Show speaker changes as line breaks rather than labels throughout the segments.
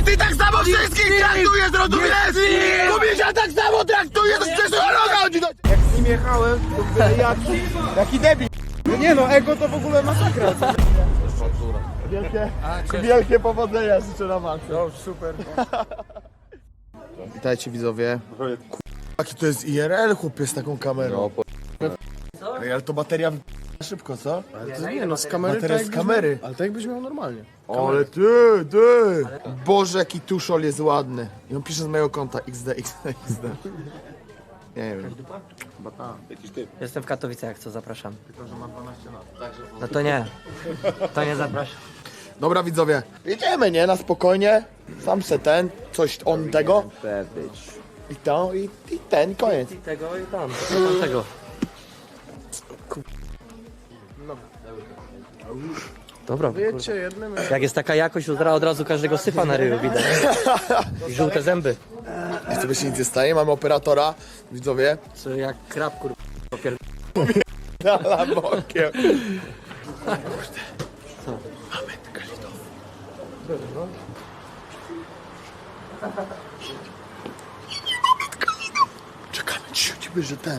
ty tak samo wszystkich traktujesz, rozumiesz? Kubisia tak samo traktuje, to przecież roga chodzi do...
Jak z nim jechałem, to mówię, jaki debil. No nie no, ego to w ogóle masakra. Wielkie powodzenia życzę na maksa. No super. Witajcie widzowie.
Jaki to jest IRL, chłopie, z taką kamerą. Ej, ale to bateria szybko, co?
Ale to nie no, z kamery
Bateria
tak
z kamery.
Ale tak jakbyś miał normalnie.
Ale ty! Boże, jaki tuszol jest ładny. I on pisze z mojego konta XD. Nie wiem.
Jestem w Katowicach, jak co zapraszam. No to nie. To nie zapraszam.
Dobra widzowie, jedziemy, nie? Na spokojnie. Sam se ten, coś on tego. I to, i ten, koniec.
I tego i tam. Tego. Dobra,
Wiecie, jednym...
jak jest taka jakość, to od razu każdego syfa na ryju widać. I żółte zęby.
I sobie się nic nie staje, mamy operatora, widzowie.
Co jak krab, kurwa.
Dala bokiem. Czekamy, cicho, że ten.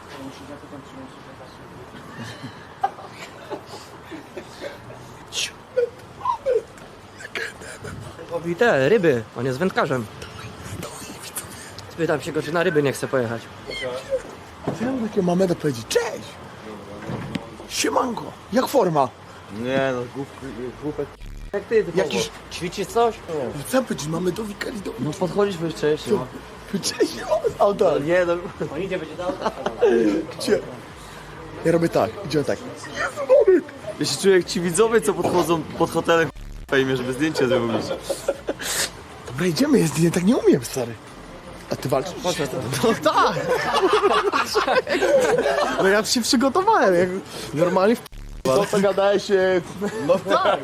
Robi te ryby, on jest wędkarzem. Spytam się go, czy na ryby nie chce pojechać.
Co ja mam takiego mameda powiedzieć? Cześć! Siemanko! Jak forma?
Nie no, głupek.
Jak ty,
Jakiś...
ćwiczysz coś?
Co powiedzieć? Mamy do Wikalidowi.
No podchodzisz jeszcze. No.
Cześć, auto.
Nie no.
On idzie, będzie dał.
Gdzie? Ja robię tak, idziemy tak.
Ja się czuję jak ci widzowie, co podchodzą pod hotelem fejmie, żeby zdjęcie zrobić.
Dobra, idziemy, ja tak nie umiem, stary. A ty walczysz?
No tak! No ja się przygotowałem, jak normalnie
Co gadałeś?
No tak!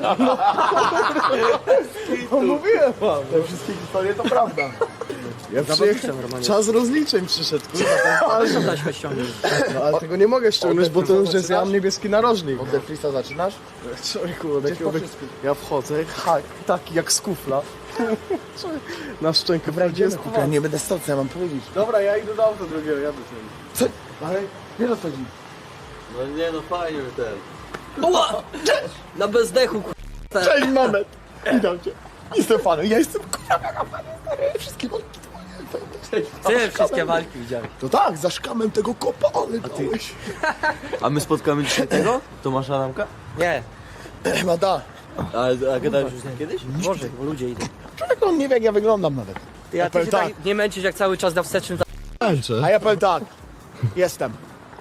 No mówiłem wam!
Te wszystkie historie to prawda.
Ja
normalnie.
Czas rozliczeń przyszedł, kurwa.
Ale co dać ściągnąć?
No ale tego nie mogę ściągnąć, bo to już jest ja niebieski narożnik.
Od Defrisa zaczynasz?
Człowieku, ja wchodzę, taki jak z kufla. Na szczękę prawdziwie
Ja nie będę stał, co ja mam powiedzieć.
Dobra, ja idę do auta drugiego, jadę z nim.
Co? Ale wiesz o co chodzi?
No nie no, fajnie ten.
Uła! Na bezdechu, kurwa.
Cześć, Mamet! Witam cię. Jestem fanem, ja jestem kurwa fanem, stary. Wszystkie walki to
Ty wszystkie walki widziałeś.
To tak, za szkamem tego kopa, ale dałeś.
A my spotkamy dzisiaj tego? Tomasza Adamka?
Nie,
Mada,
A gadałeś już z nim kiedyś?
Boże, bo ludzie idą.
człowiek on nie wie jak ja wyglądam nawet.
Ty, a ty
powiem
się
tak.
tak nie męczysz jak cały czas na wstecznym.
A ja powiem tak, jestem.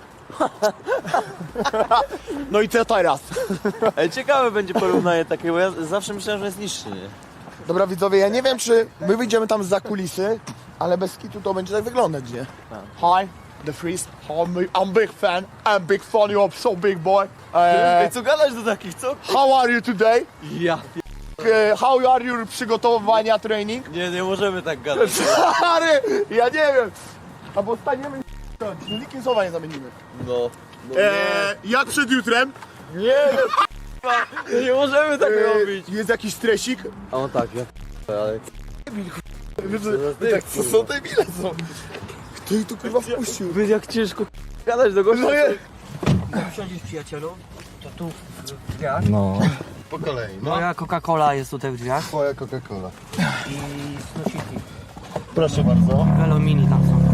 No i co teraz?
Ej, ciekawe będzie porównanie takie, bo ja zawsze myślałem, że jest niższy, nie?
Dobra widzowie, ja nie wiem czy my wyjdziemy tam za kulisy, ale bez kitu to będzie tak wyglądać, nie? Hi, The Freeze, I'm big fan, you're so big boy.
Ej, co gadać do takich, co?
How are you today?
Ja
How are your przygotowania training?
nie możemy tak gadać.
Stary, ja nie wiem. Albo staniemy i nikim słowa nie zamienimy.
No.
Jak przed jutrem?
Nie możemy tak robić.
Jest jakiś stresik?
A on tak, ja ale...
Tak, co są te bile są? Kto ich tu kurwa wpuścił?
Wy jak ciężko gadać do gościa.
Siądziesz, przyjacielu? To tu w drzwiach.
Po kolei, no.
Moja Coca-Cola jest tutaj w drzwiach.
Twoja Coca-Cola.
I snosiki.
Proszę bardzo.
Velo mini tam są.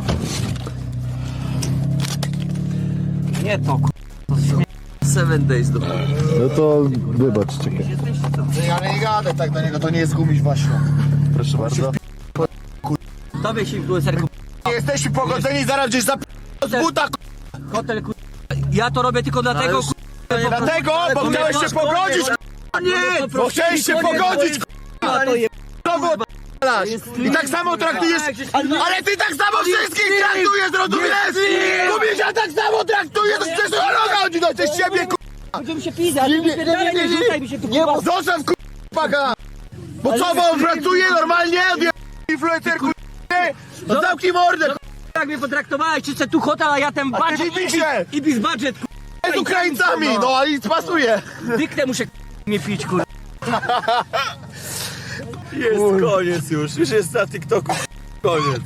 Nie to, to śmie...
7 days do
No to wybacz, czekaj.
Jesteście co?
Ale nie gadaj tak do niego, to nie jest gumiś właśnie.
Proszę bardzo.
Tobie się influencerku.
Nie jesteśmy pogodzeni, zaraz gdzieś z buta,
Hotel ku... Ja to robię tylko dlatego ku...
dlatego, bo chciałeś się pogodzić,
Nie!
bo chciałeś się pogodzić,
To je...
I tak samo traktujesz, ale ty tak samo wszystkich traktujesz, rozumiesz? Kubisia tak samo traktujesz, to przecież roga chodzi do ciebie,
Będziemy się pizać, nie rzucaj mi się tu kurwa.
Zostaw k***a! Bo co, bo on pracuje normalnie? Influencer k***a! No zamknij mordę
Jak mnie potraktowałeś, czy chcę tu hotel, a ja ten budget
wypiszę!
i bis budget
z Ukraińcami, no ale nic pasuje!
Dyknę muszę mnie pić kurwa.
Jest koniec już jest na TikToku. Koniec.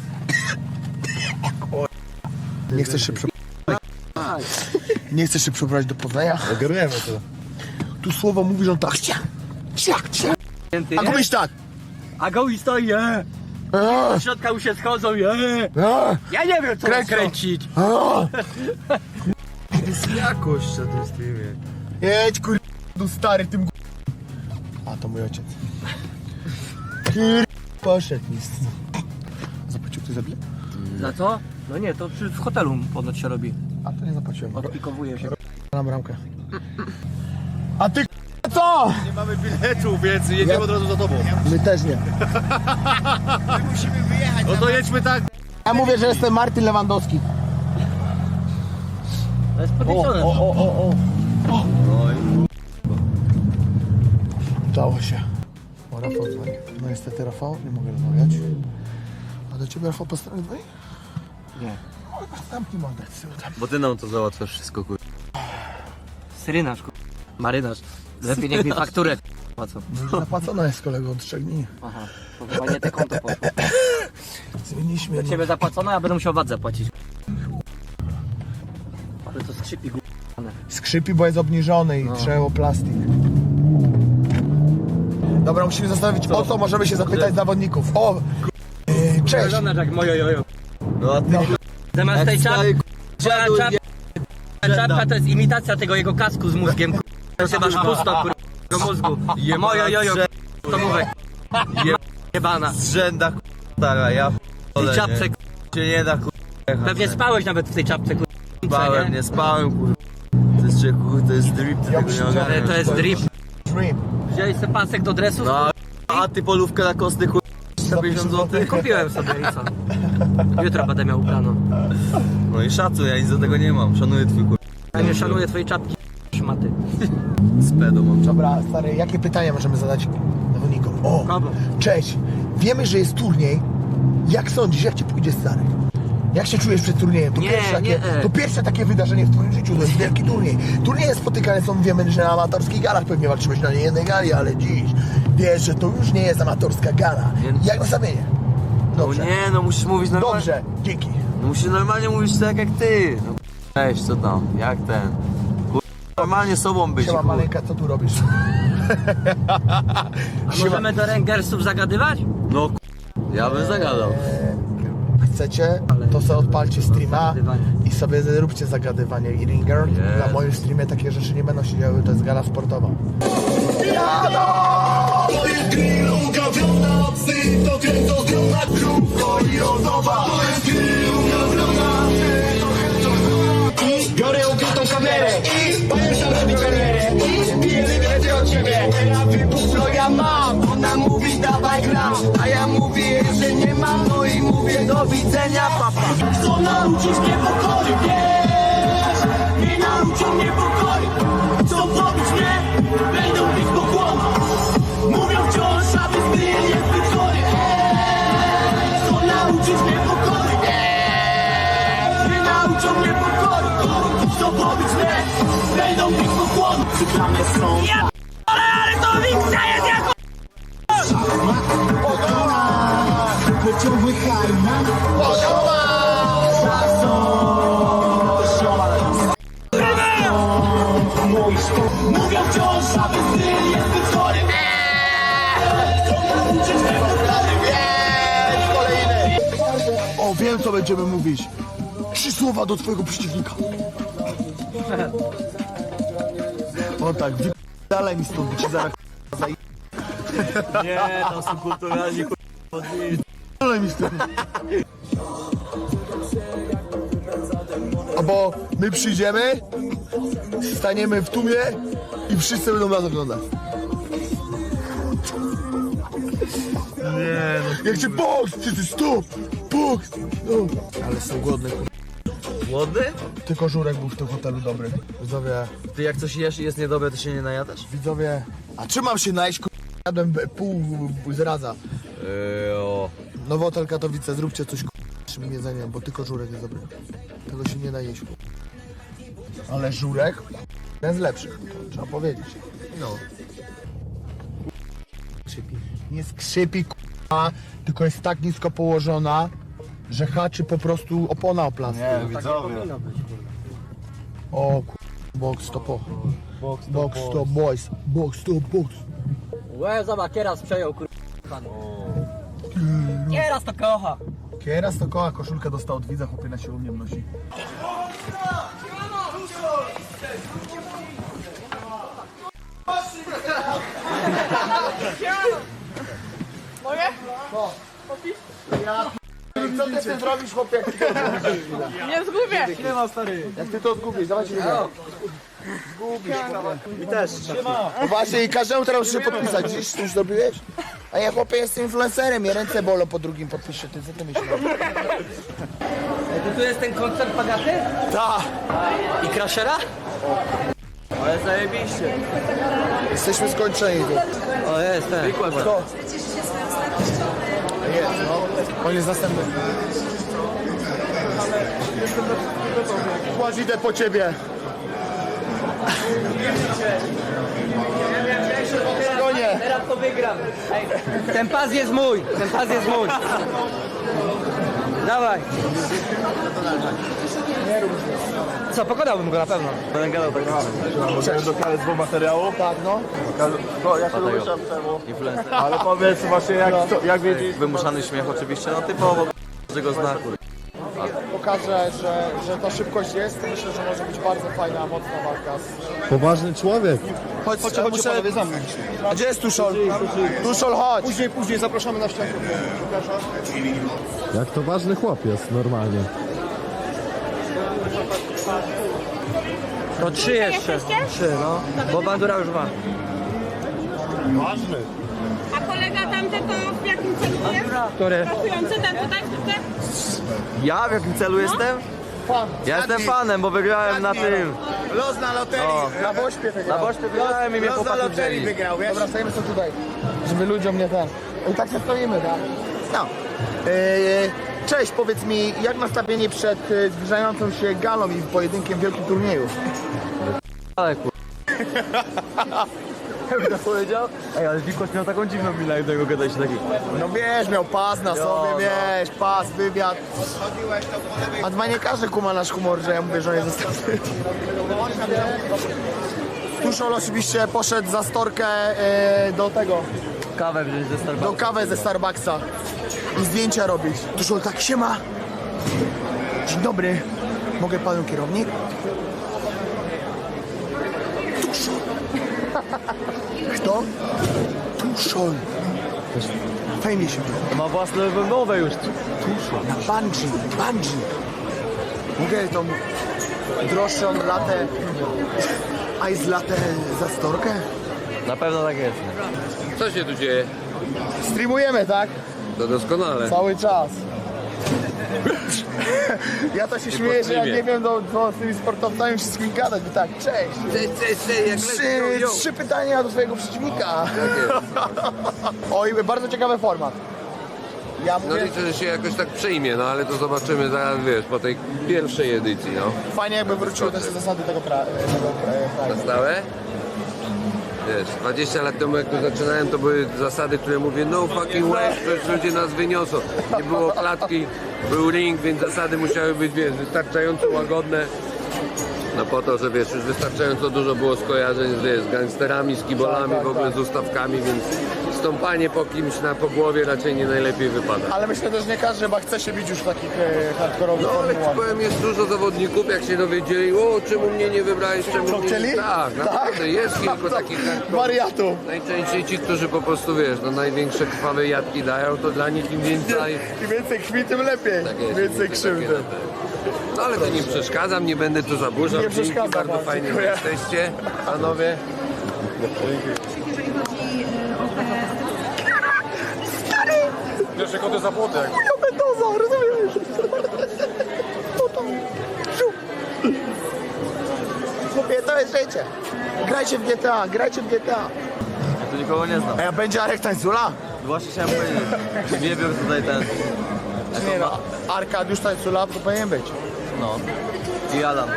Nie chcesz się Nie chcesz się przebrać do Poznania?
Ogarniemy to.
Tu słowo mówi, że on tak a mówisz tak.
A goły stoi,
A,
w środka już się schodzą,
a,
Ja nie wiem co kręcić.
a.
Jest jakość na tym streamie.
Jedź do stary tym A to mój ojciec. Poszedł mi. Zapłacił ktoś za bilet?
Za co? No nie, to w hotelu ponoć się robi.
A to nie zapłaciłem.
Odpikowuje się.
Na bramkę. A ty co?
Nie mamy biletu, więc jedziemy od razu za tobą.
My też nie.
No to jedźmy tak.
Ja mówię, że jestem Martin Lewandowski.
To jest podliczone.
Udało się. O, Rafał dzwoni. No niestety Rafał, nie mogę rozmawiać. A do ciebie Rafał po stronie dzwoni?
Nie.
Zamknij mordę, tam.
Bo ty nam to załatwiasz wszystko, kur...
Syrynarz, marynarz. Lepiej niech mi fakturę płacą.
Zapłacona jest kolego od 3 dni.
Aha, to chyba nie te konto poszło.
Zmieniliśmy.
Do ciebie zapłacono, ja będę musiał VAT zapłacić. Ale to skrzypi g***ane.
Skrzypi, bo jest obniżony i trzeba plastik. Dobra, musimy zastanowić o co możemy się zapytać zawodników. O! Cześć!
Jak moje jojo.
No a ty
Zamiast tej
stary,
czapka to jest imitacja tego jego kasku z mózgiem. Ty masz pusto do mózgu. Moje jojo, to mówię. Jebana.
z rzęda, stara, ja
I czapce,
się nie da,
pewnie spałeś nawet w tej czapce,
spałem, nie spałem, kur... To jest, to jest drip, ty tego nie ogarniasz.
To jest drip.
Dream.
Wziąłeś sobie pasek do dresu?
No, a ty polówkę na kostny, kur... 150 zł?
Kupiłem sobie i co? Jutro będę miał ubraną.
No i szacun, ja nic do tego nie mam, szanuję twój kur...
Ja nie szanuję twojej czapki, szmaty.
Z pedą mam.
Dobra, stary, jakie pytania możemy zadać zawodnikom? O!
Kogo?
Cześć! Wiemy, że jest turniej. Jak sądzisz, jak ci pójdzie, stary? Jak się czujesz przed turniejem? To,
Nie,
to pierwsze takie wydarzenie w twoim życiu, to jest wielki turniej. Turnieje spotykane są, wiemy, że na amatorskich galach pewnie walczyłeś na niejednej gali, ale dziś wiesz, że to już nie jest amatorska gala. Jak nastawienie? Dobrze.
No nie, no musisz mówić normalnie.
Dobrze, dzięki.
No musisz normalnie mówić tak jak ty. No, cześć, co tam, jak ten? Kur... Normalnie sobą być,
Siema,
kur...
maleńka, co tu robisz?
A możemy do Rangersów zagadywać?
No kur... ja bym zagadał.
Chcecie, to sobie odpalcie streama
Zagadywanie.
i sobie zróbcie zagadywanie i ringer.
Jest.
Na moim streamie takie rzeczy nie będą się działy, to jest gala sportowa.
To jest grill ugawiona, psy to kręcą zdrowna, krówko i ozoba. To jest grill ugawiona, psy to kręcą zdrowna. Biorę ukrytą kamerę i pamiętam robić karierę. I pijemy więcej od siebie. Teraz wybuch, ja mam. Ona mówi dawaj gram, a ja mówię, że nie mam. No i mówię do widzenia, papa. Chcą nauczyć mnie pokory, wiesz. Nie nauczą mnie pokory. Chcą pobić mnie, będą bić pokłonu. Mówią wciąż, aby styl jest zbyt chory. Chcą nauczyć mnie pokory. Nie nauczą mnie pokory. Chcą pobić mnie, będą bić pokłonu. Cyklamy są.
Ale to Wiksa jest jako...
Pociągły karma. Mówią wciąż, aby styl jest zbyt chory.
O, wiem co będziemy mówić. 3 słowa do twojego przeciwnika. O tak, dalej mi stąd, ci zaraz
Nie, tam są kulturalni, kur...
dalej mi stąd. Albo my przyjdziemy, staniemy w tłumie i wszyscy będą nas oglądać.
Nie, no
Jak cię boks, wszyscy stop, boks. No. Ale są głodne.
Głodny?
Tylko Żurek był w tym hotelu dobry. Widzowie,
Ty jak coś jesz i jest niedobre, to się nie najadasz?
widzowie. A czy mam się najeść? Jadłem pół zradza.
O.
Nowotel Katowice, zróbcie coś z tym jedzeniem, bo tylko Żurek jest dobry. Tego się nie da jeść. Ale Żurek jeden z lepszych, to trzeba powiedzieć. No. Nie skrzypi, k***a, tylko jest tak nisko położona, że haczy po prostu opona o plastik.
Nie, widzowie.
O box to po. Box to boys. Box to box.
Łe, zobacz, kieras przejął, Kieras to kocha.
Kieras to koła, koszulkę dostał od widza, chłopie na siłownię nosi. Co ty z tym zrobisz, chłopie, jak ty to odgubisz?
Nie zgubię!
Jak ty to odgubisz, dawajcie video. Zgubisz, chłopie. I też. No właśnie, i każdemu teraz muszę podpisać. Dziś ty już zrobiłeś? A ja, chłopie, jestem influencerem, mnie ręce bolą po drugim podpiszę. Ty co ty myślisz?
Ej, to tu jest ten koncert Pagaty?
Tak,
I Crashera?
Ale zajebiście.
jesteśmy skończeni tu.
O, jest ten.
Kto? Jest, no. On jest następny. Kładź, idę po ciebie. Konie.
Teraz to wygram. Ej, ten pas jest mój, ten pas jest mój. Dawaj. Co, pokonałbym go na pewno.
Będę gadał tak naprawdę. Możemy do KSW materiału?
Tak, no.
Ja się domyślam czemu.
Influencer.
Ale powiedz właśnie jak wiedzieć.
Wymuszany śmiech oczywiście, no typowo każdego znaku.
Pokażę, że ta szybkość jest. Myślę, że może być bardzo fajna, mocna walka.
Poważny człowiek.
Chodź, muszę... A gdzie jest Tuszol? Tuszol, chodź. Później zapraszamy na ściankę.
Jak to ważny chłop jest normalnie.
To 3 jeszcze. 3, no. Bo bandura już ma.
Ważny.
A kolega tamten to w jakim celu jest?
Który?
Pracujący ten tutaj?
Ja w jakim celu jestem? Ja jestem fanem, bo wygrałem na tym.
Los na loterii. Na Bośpie
Na
wygrał.
Bośpie wygrałem i mnie chłopaki wzięli.
Dobra, stoimy sobie tutaj, żeby ludziom nie ten... I tak się stoimy, tak? No. Cześć, powiedz mi, jak nastawienie przed zbliżającą się galą i pojedynkiem w wielkim turnieju?
Ale kur... Jakby to powiedział? Ej, ale Wikos miał taką dziwną minę, jak do niego gadać taki.
No wiesz, miał pas na sobie, wiesz, pas, wywiad. A dwa nie każdy kuma nasz humor, że ja mówię, że on jest zostawny. Tuszol oczywiście poszedł za storkę do tego,
Kawę wziąć ze
do
Starbucks.
kawę ze Starbucksa i zdjęcia robić. Tuszol tak, siema. Dzień dobry, mogę panu kierownik? Tuszol. Kto? Tuszol. Fajnie się mówi.
Ma własne nowe już.
Na bungee. Mogę tą droższą latę, ice latte za storkę?
Na pewno tak jest.
Co się tu dzieje?
Streamujemy, tak?
To doskonale.
Cały czas. Ja to się śmieję, że ja nie wiem, co z tymi sportowcami wszystkimi gadać, bo tak, cześć.
Jak
Trzy pytania do twojego przeciwnika. Oj, bardzo ciekawy format. Ja
No
mówię,
liczę, że się jakoś tak przejmie, no ale to zobaczymy zaraz, wiesz, po tej pierwszej edycji, no.
fajnie jakby wróciły też te zasady tego kraju.
Na stałe? Wiesz, 20 lat temu jak tu zaczynałem, to były zasady, które mówię, no fucking way, przecież ludzie nas wyniosą. Nie było klatki, był ring, więc zasady musiały być, wiesz, wystarczająco łagodne. No po to, że wiesz, już wystarczająco dużo było skojarzeń z gangsterami, z kibolami, w ogóle z ustawkami, więc stąpanie po kimś po głowie raczej nie najlepiej wypada.
Ale myślę też, że nie każdy chyba chce się bić już w takich hardkorowych
No ale ci
formułach.
powiem, jest dużo zawodników, jak się dowiedzieli, o czemu mnie nie wybrałeś, czemu
Co
mnie
chcieli?
nie... Tak, naprawdę, jest kilku takich
Wariatów.
najczęściej ci, którzy po prostu, wiesz, no największe krwawe jadki dają, to dla nich im więcej...
Im więcej krwi, tym lepiej.
Tak jest,
Więcej
takie
krzywdy.
na te. No ale to nie przeszkadzam, nie będę tu zaburzał.
Nie
Dzięki,
przeszkadza
bardzo
pan,
fajnie, że
dziękuję.
jesteście, panowie.
Pierwsze koty za płotek.
Ja Mendoza, rozumiesz? Chłopie, to jest życie. Grajcie w GTA, grajcie w GTA.
Ja tu nikogo nie znam.
A będzie Arek Tańcula?
Właśnie chciałem powiedzieć. Nie wiem tutaj ten.
Nie no, Arkadiusz Tańcula to powinien być.
No. I Adam.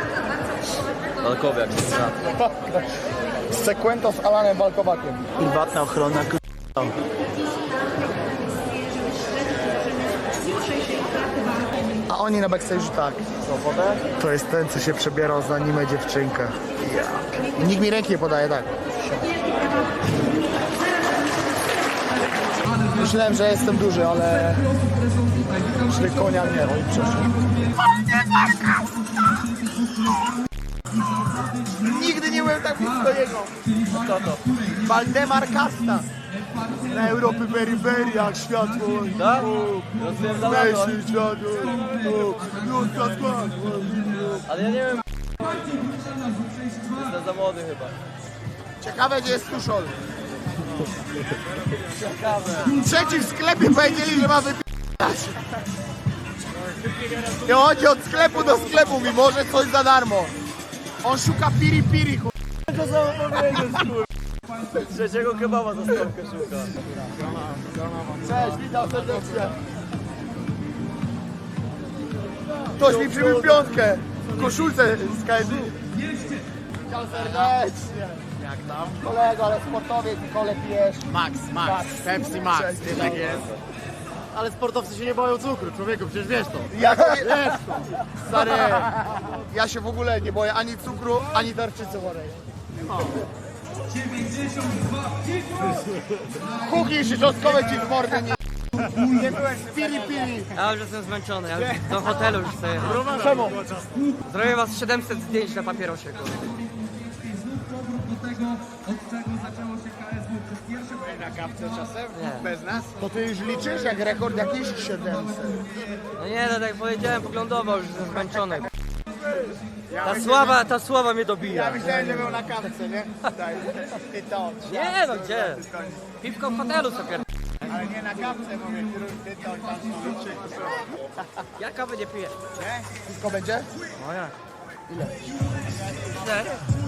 Walkowiak.
Z Sekwento z Alanem Walkowakiem. Prywatna ochrona, A oni na backstage'u tak. To jest ten, co się przebierał za anime dziewczynkę. Ja. Nikt mi ręki nie podaje, tak. Myślałem, że jestem duży, ale... Szli konia nie, oni przeszli. Nigdy nie byłem tak blisko jego. Kto to? Waldemar Kasta. Na Europy peryferiach światło.
Tak?
Myśli światło. Ludzka skład.
Ale ja nie wiem. Jestem za młody chyba.
Ciekawe, gdzie jest Tuszol. Trzeci w sklepie powiedzieli, że ma wypijać. I chodzi od sklepu do sklepu, mimo że coś za darmo. On szuka piri piri, chuj.
To samo powiedzieć, kur... Trzeciego kebaba za stopkę szuka.
Cześć, witam serdecznie. Ktoś mi przybił piątkę w koszulce z KSU. Witam serdecznie. Jak tam? Kolego, ale sportowiec i kole pijesz.
Max, Pepsi Max, nie tak jest. Ale sportowcy się nie boją cukru, człowieku, przecież wiesz to.
Ja, stary, ja się w ogóle nie boję ani cukru, ani tarczycy chorej. Kuki szyczostkowe ci z mordy nie... Nie byłem z piri piri.
Ja już jestem zmęczony, ja już do hotelu już chcę jechać.
Czemu?
Zrobię was 700 zdjęć na papierosie, kur...
Na kawce czasem?
Nie.
Bez nas?
To ty już liczysz jak rekord jakiś 700.
No nie, no tak jak powiedziałem, poglądowo już jestem zmęczony. Ta sława mnie dobija.
Myślałem, że był na kawce, nie? Daj. I to.
Nie no, gdzie? Piwko w hotelu sobie.
Ale nie na kawce, mówię, ty to tam liczy.
Ja kawy nie piję.
Wszystko będzie?
Nie?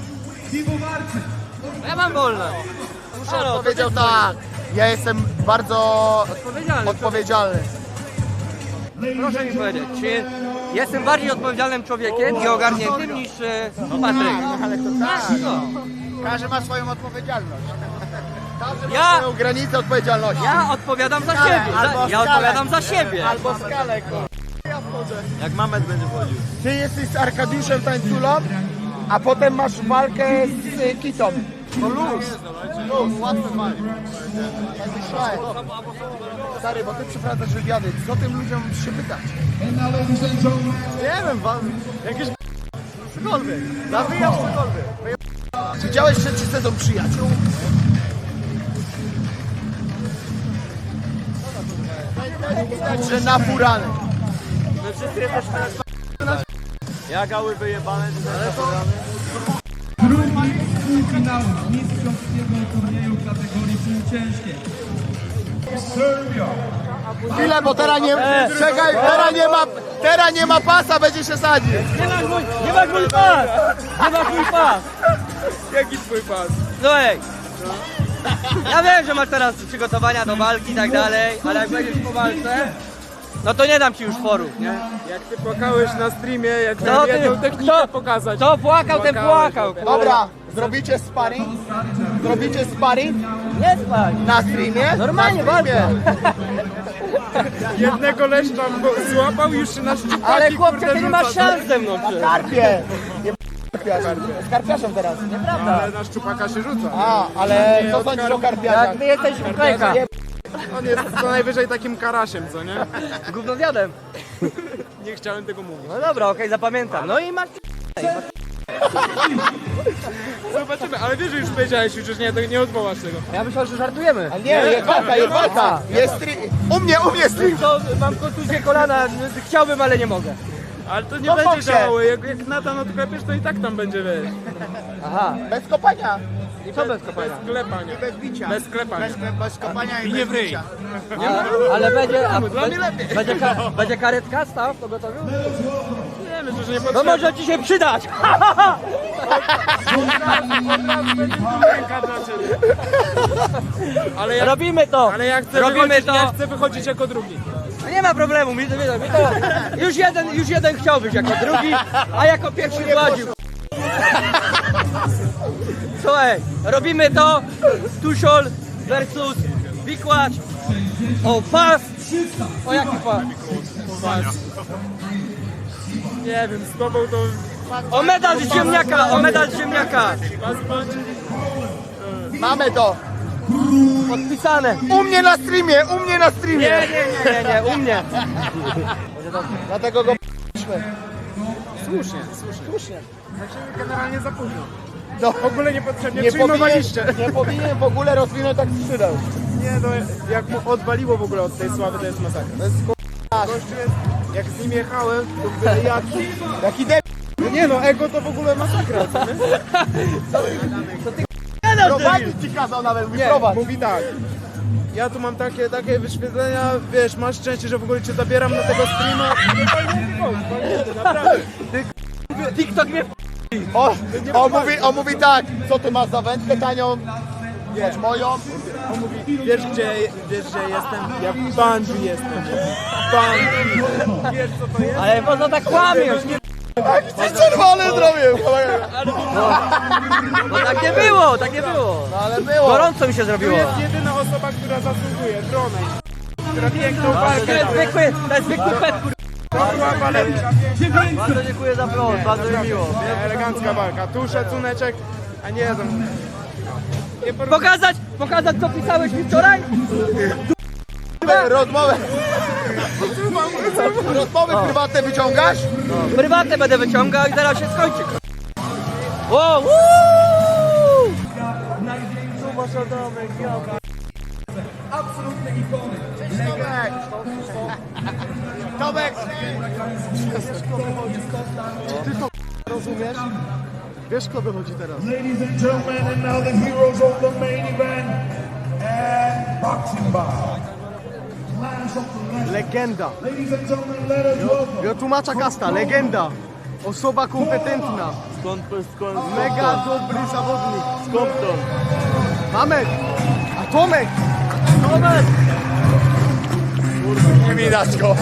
No ja mam wolne. Muszę no,
Powiedział tak. Ja jestem bardzo
odpowiedzialny.
odpowiedzialny.
Proszę mi powiedzieć, czy jestem bardziej odpowiedzialnym człowiekiem i ogarniętym niż Patryk?
Ale to tak.
No.
Każdy ma swoją odpowiedzialność. Każdy ma
Ja-
swoją granicę odpowiedzialności.
Ja odpowiadam za siebie. Ja odpowiadam za siebie.
Albo skalę, kurwa.
Jak Mamet będzie chodził.
Ty jesteś z Arkadiuszem Tańculą, a potem masz walkę z Kitą. To luz, łatwy walk. Tak myślałem. Stary, bo ty przeprowadzasz wywiady. Co tym ludziom się pytać?
Nie wiem, jakieś cokolwiek. Nawijam cokolwiek.
Widziałeś trzeci sezon Przyjaciół? Widać, że napurany.
Ja gały wyjebane, ale to...
Półfinału mistrzowskiego turnieju kategorii półciężkiej.
Chwilę, bo teraz nie... Czekaj, teraz nie ma pasa, będzie się sadzić.
Nie masz mój pas! Nie masz mój pas!
Jaki twój pas?
No ej! Ja wiem, że masz teraz przygotowania do walki i tak dalej, ale jak będziesz po walce, no to nie dam ci już forów, nie?
Jak ty płakałeś na streamie, jak
No
miałem
ty-
jedną technikę
kto-
pokazać.
Kto płakał, ten płakał. kurwa.
Dobra, zrobicie sparring? Zrobicie sparring
Nie spać!
na streamie?
Normalnie,
na streamie.
Jednego leszcza złapał już się na szczupaki,
Ale chłopcze,
kurde,
ty nie masz
rzuca.
szans ze mną, czy?
Karpie! Nie z karpiarzem teraz.
Nieprawda.
Ale na szczupaka się rzuca.
A, ale co sądzisz o karpiarzach?
Jak ty jesteś klejka.
On jest co najwyżej takim karasiem, co nie?
Gównowiadem.
Nie chciałem tego mówić.
No dobra, okej, zapamiętam. No i masz...
Zobaczymy, ale wiesz, że już powiedziałeś, już nie odwołasz tego.
Ja myślałem, że żartujemy.
Nie, jest walka, jest walka. Jest u mnie stream.
To mam kontuzję kolana, chciałbym, ale nie mogę.
Ale to nie
No
będzie
chodźcie.
działało, jak Natan odklepiesz, to i tak tam będzie, wiesz.
Aha.
Bez kopania.
I co bez kopania?
Bez klepania.
Bez bicia.
Bez klepania.
Bez kopania i nie wryj.
Ale będzie... A,
Dla mnie lepiej.
będzie karetka stał w pogotowiu?
Nie, myślę, że nie
No
potrzeba.
może ci się przydać!
Ale jak,
Robimy to!
ale ja chcę,
Robimy
wychodzić,
to!
ja chcę wychodzić jako drugi.
No nie ma problemu, mi to. Już jeden chciał być jako drugi, a jako pierwszy władził. Słuchaj, robimy to, Tuszol versus Wikłacz! O, pas! O, jaki pas?
Nie wiem, z tobą to...
O, medal z ziemniaka! O, medal z ziemniaka!
Mamy to!
Podpisane!
U mnie na streamie, u mnie na streamie!
Nie, u mnie!
Dlatego go
Słusznie. Znaczy generalnie za późno.
no,
W ogóle niepotrzebnie
nie
przyjmowaliście.
nie powinien w ogóle rozwinąć tak skrzydeł.
Nie no, jak mu odwaliło w ogóle od tej sławy, to jest masakra.
To jest
Gościu jest, jak z nim jechałem, to w ogóle
jaki debil.
No nie no, ego to w ogóle masakra, co nie?
Prowadzić ci kazał nawet,
Nie,
wyprowadź.
mówi tak. Ja tu mam takie wyświetlenia, wiesz, masz szczęście, że w ogóle cię zabieram na tego streama. Nie fajnie, naprawdę.
TikTok mnie
On mówi tak, co ty masz za wędkę tanią? Wiesz, moją?
On mówi, wiesz gdzie jestem? Ja w Bungee jestem. Bungee. Wiesz co to jest?
Ale po co tak kłamiesz? Nie,
Ci czerwony zrobił!
no tak nie było, tak nie było.
No ale było.
Gorąco mi się
Tu
zrobiło.
jest jedyna osoba, która zasługuje, Dronej. Która piękną
To
walkę
jest
dała.
zwykły pet, kur...
To była waleczka.
Bardzo dziękuję za prost, bardzo mi miło.
Elegancka walka. Tu szacuneczek, a nie tam. Nie
Pokazać co pisałeś mi wczoraj?
Rozmowy prywatne wyciągasz?
Prywatne będę wyciągał i zaraz się skończy. O,
Tomek!
rozumiesz? Wiesz kto wychodzi teraz?
Ladies and gentlemen, and now the heroes of the main event and boxing bout. Clash of the legends.
Legenda.
Ladies and gentlemen, let us welcome.
Ja tłumacza Kasta, legenda. Osoba kompetentna.
Skąd?
Mega dobry zawodnik. Skąd to? Mamek! A Tomek! Tomek!
Nie widać go.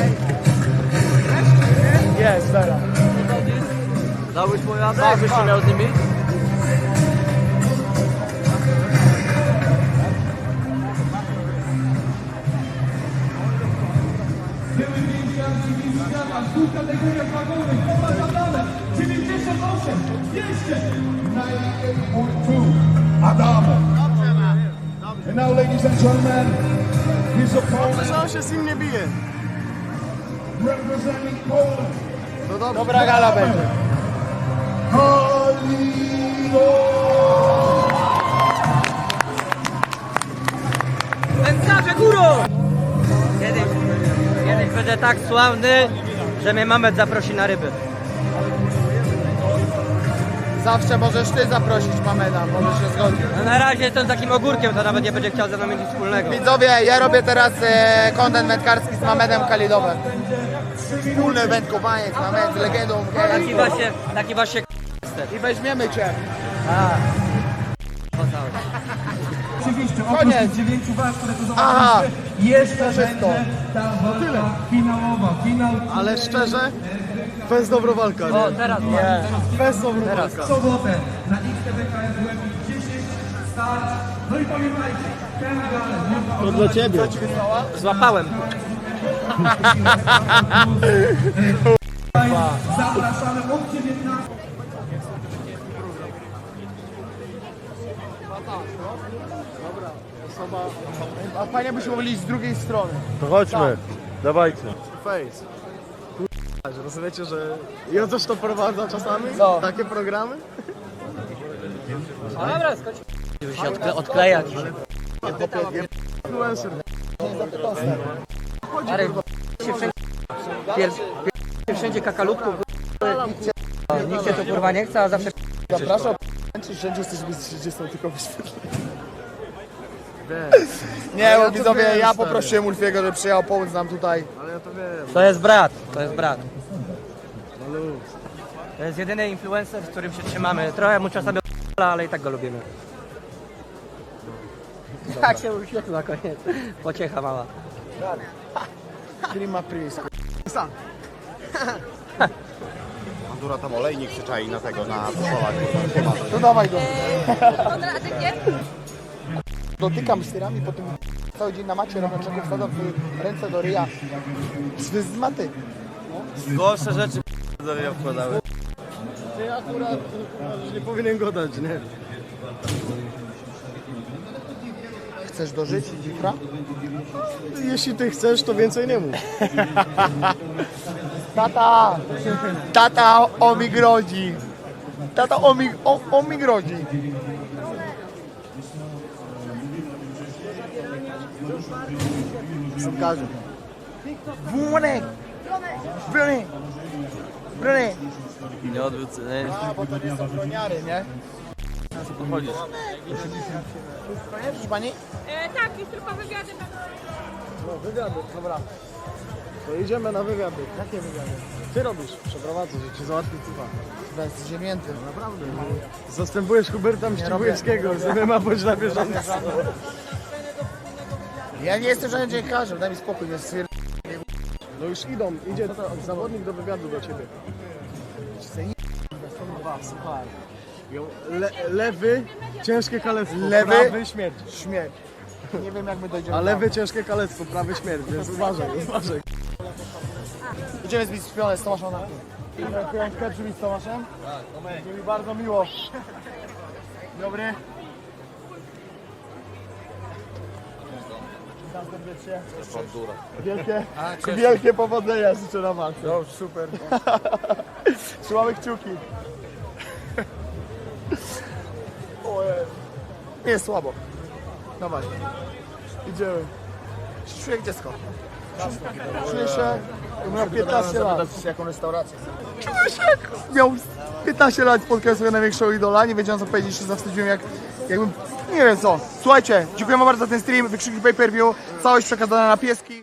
Jest, teraz.
dałbyś mu radę, jakbyś nie miał z nimi?
Adamo. And now, ladies and gentlemen, his opponent
Że on się z nim nie bije.
representing Poland,
No dobrze.
Dobra gala będzie.
Kalido.
Wędkarze górą! Kiedyś będę tak sławny, że mnie Mamet zaprosi na ryby.
Zawsze możesz ty zaprosić Mameda, możesz się zgodzić.
No na razie jestem takim ogórkiem, to nawet nie będzie chciał ze mną mieć nic wspólnego.
Widzowie, ja robię teraz kontent wędkarski z Mamedem Kalidowem. Wspólne wędkowanie z Mamed, z legendą.
Taki właśnie
I weźmiemy cię.
Oczywiście,
Koniec.
oprócz 9 walk, które tu
Aha.
zobaczyliście, jeszcze
Wszystko.
będzie ta walka finałowa. Finał
Ale szczerze, bez dobro walka,
O,
nie?
teraz
Bez dobro walka.
w sobotę na XTBKS Łebnik 10 start. No i pamiętajcie, ten galę
To dla ciebie.
złapałem.
zapraszamy od 19.
A fajnie byśmy mogli iść z drugiej strony.
To chodźmy, dawajcie.
Face. Kurwa, że rozumiecie, że Jozosz to prowadza czasami?
Co?
Takie programy?
No dobra, skończ. Żeby się odklejać.
Influencer.
Stary, się wszędzie, się wszędzie kakalutku, nikt się to kurwa nie chce, a zawsze
Zapraszam, czy wszędzie jesteśmy z 30 tylko wyświetleń. Nie, bo widzowie,
wiem,
ja
stary.
poprosiłem Ulfiego, żeby przyjechał pomóc nam tutaj.
Ale ja to wiem.
To jest brat. To jest jedyny influencer, z którym się trzymamy. Trochę mu czasami ale i tak go lubimy. Tak się uśmiechnął na koniec. Pociecha mała.
Prima Pris.
Bandura tam olejnik się czai na tego, na posolach.
To dawaj go.
Konrad, a ty gdzie?
Dotykam styrami po tym Cały dzień na macie robią czeków, wsadzą ręce do ryja. Z maty.
Gorsze rzeczy do mnie wkładały. Ty akurat nie powinien go dać, nie?
Chcesz dożyć jutra?
Jeśli ty chcesz, to więcej nie mów.
Tata! Tata o mi grodzi! Tata o mi grodzi! Sąkarzu. Wunek! Brony! Brony!
Nie odwrócę,
A, bo to nie są broniary, nie?
chodzisz.
Proszę pani?
Tak, jest tylko wywiady.
No, wywiady, dobra. To idziemy na wywiady.
Jakie wywiady?
Ty robisz, przeprowadzę, że ci załatwię typa.
Bez ziemięty.
Naprawdę. Zastępujesz Huberta
robię.
Mścibujewskiego, z MMA bądź na bieżąco.
Ja nie jestem żadnym dziennikarzem, daj mi spokój, nie stwierdź.
No już idzie zawodnik do wywiadu do ciebie. Słuchaj. Lewy, ciężkie kalectwo,
Lewy?
prawy śmierć.
Śmierć. Nie wiem jak my dojdziemy.
A lewy ciężkie kalectwo, prawy śmierć, więc uważaj.
Idziemy zbić szpionę z Tomaszem na piątkę, przybić z Tomaszem? Tak, mi bardzo miło. Dobry. Witam serdecznie. Wielkie powodzenia życzę na walce. No, super. Trzymamy kciuki. Ojej. Nie jest słabo. Dawaj. Idziemy. Czuję jak dziecko. Czuję się, miał 15 lat. Jaką restaurację? Czuję się jak miał 15 lat, spotkałem sobie największego idola, nie wiedziałem co powiedzieć, się zawstydziłem jakbym, nie wiem co. Słuchajcie, dziękujemy bardzo za ten stream, wykrzyki pay-per-view, całość przekazana na pieski.